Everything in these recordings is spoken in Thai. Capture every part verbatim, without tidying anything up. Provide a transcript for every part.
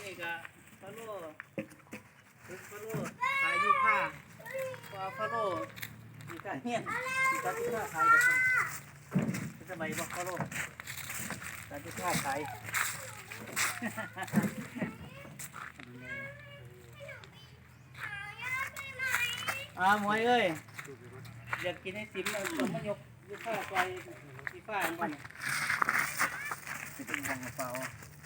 นี่ก็ฟาโร่ฟาโร่ขายยูค่าปลาฟาโร่มีการเฮียนมีการที่ค่าขายแบบนี้สมัยบอกฟาโร่การที่ค่าขายอ่าหมวยเอ้ยอยากกินไอติมเราต้องมายกยูค่าไปที่ฟ้าอันนั้นจะเป็นวงกระเป๋า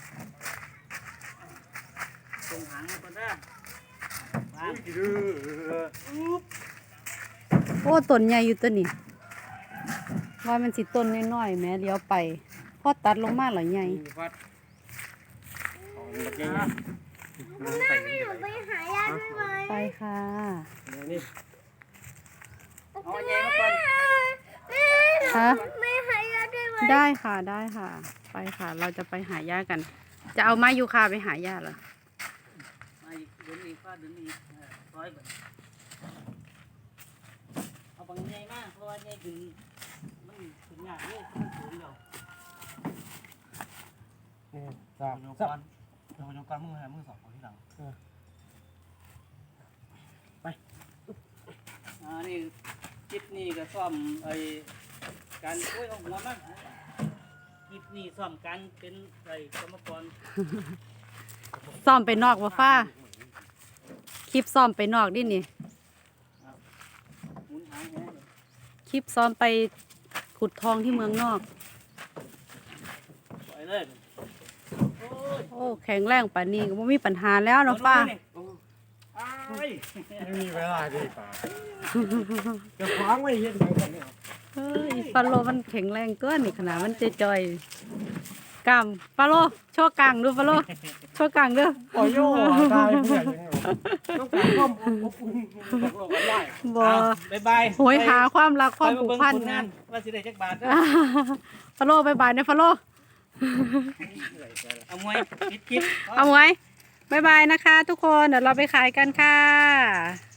ตรงหางมันก็ได้มาอุ๊บโอ้ต้นใหญ่อยู่ตัวนี้ว่ามันสิต้นน้อยๆแม่เลี้ยวไปพอตัดลงมาหรอใหญ่วัดของมันใหญ่แม่ให้หนูไปหายาด้วยไหมไปค่ะนี่เอาใหญ่มาก่อนฮะแม่หายาด้วยไหมได้ค่ะได้ค่ะ ไปค่ะ เราจะไปหาย่ากัน จะเอาไม้ยูคาไปหาย่าเหรอมาอีกเดินอีกฟาดเดินอีกร้อยบาทเอาบางใหญ่มากเพราะว่าใหญ่ถึงมันถึงยากเลยมันสูงเดียวนี่จัจับบ ยกจับก้อนจับยกก้อนมือหามือสองคนที่หลังไปอ่านี่จิตนี่ก็ซ่อมไอ้การช่วยเอาหัวมันจิตนี่ซ่อมการเป็นไอ้กรรมกรซ่อมไปนอกว่าฟ้าคลิปซ่อมไปนอกดินี่หมุนหางแหงคลิปซ้อมไปขุดทองที่เมืองนอกปล่อยเลยโอ้ยโอ้แข็งแรงป่านนี้ก็ไม่มีปัญหาแล้วเนาะฟ้าอ้ายไม่มีเวลาดีป่าจะคว้างไว้เห็นไหมกันเนี่ยเฮ้ยฟาโลมันแข็งแรงเกินนี่ขนาดมันจอยๆกล้ามฟาโลโชว์กลางดูฟาโลโชว์กลางเด้อปล่อยโย่ตายเพื่อนยังไงต้องการความอบอุ่นตกลงกันได้บ่บายบายโหยหาความรักความผูกพันนะนะว่าสิได้จักบาทเด้อฟาโลบายบายนะฟาโลเอามวยคิดคิดเอาไว้บายบายนะคะทุกคน เดี๋ยวเราไปขายกันค่ะ